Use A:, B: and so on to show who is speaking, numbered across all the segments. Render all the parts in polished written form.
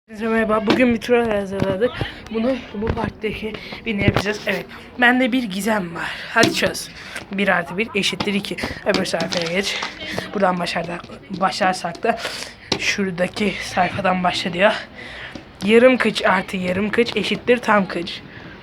A: Merhaba, bugün bir tur hazırladık. Bunu bu parktaki birini yapacağız. Evet, bende bir gizem var. Hadi çöz. 1+1 eşittir 2. Öbür sayfaya geç. Buradan başlarsak da şuradaki sayfadan başla diyor. Yarım kıç artı yarım kıç eşittir tam kıç.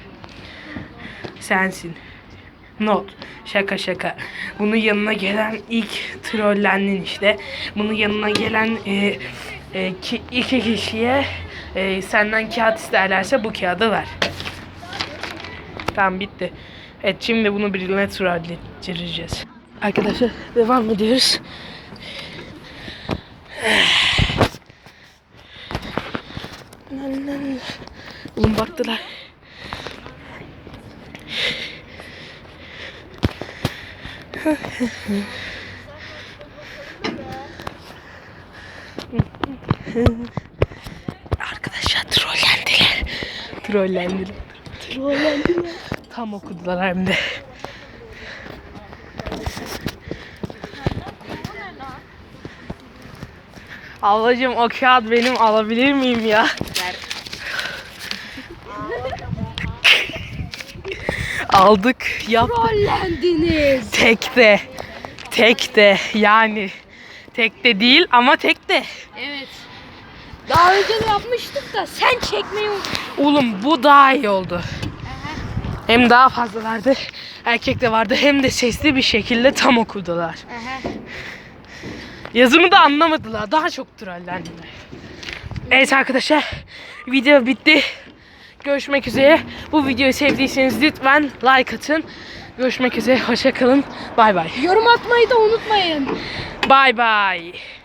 A: Sensin. Not. Şaka şaka. Bunun yanına gelen ilk trollendin işte. Bunun yanına gelen iki kişiye senden kağıt isterlerse bu kağıdı ver. Tamam, bitti. Evet, şimdi bunu birine trollettireceğiz. Arkadaşlar devam ediyoruz. Oğlum baktılar. Arkadaşlar trollendiler. Tam okudular hem de. Ablacığım, o kağıt benim, alabilir miyim ya? Aldık, yaptık.
B: Trollendiniz.
A: Tekte yani. Tekte değil ama tekte.
B: Evet. Daha önce de yapmıştık da sen çekmeyi
A: Oğlum, bu daha iyi oldu. Hem daha fazlalardı. Erkek de vardı, hem de sesli bir şekilde tam okudular. Yazımı da anlamadılar. Daha çok trollendiler. Evet arkadaşlar, video bitti. Görüşmek üzere. Bu videoyu sevdiyseniz lütfen like atın. Görüşmek üzere. Hoşça kalın. Bay bay.
B: yorum atmayı da unutmayın.
A: Bay bay.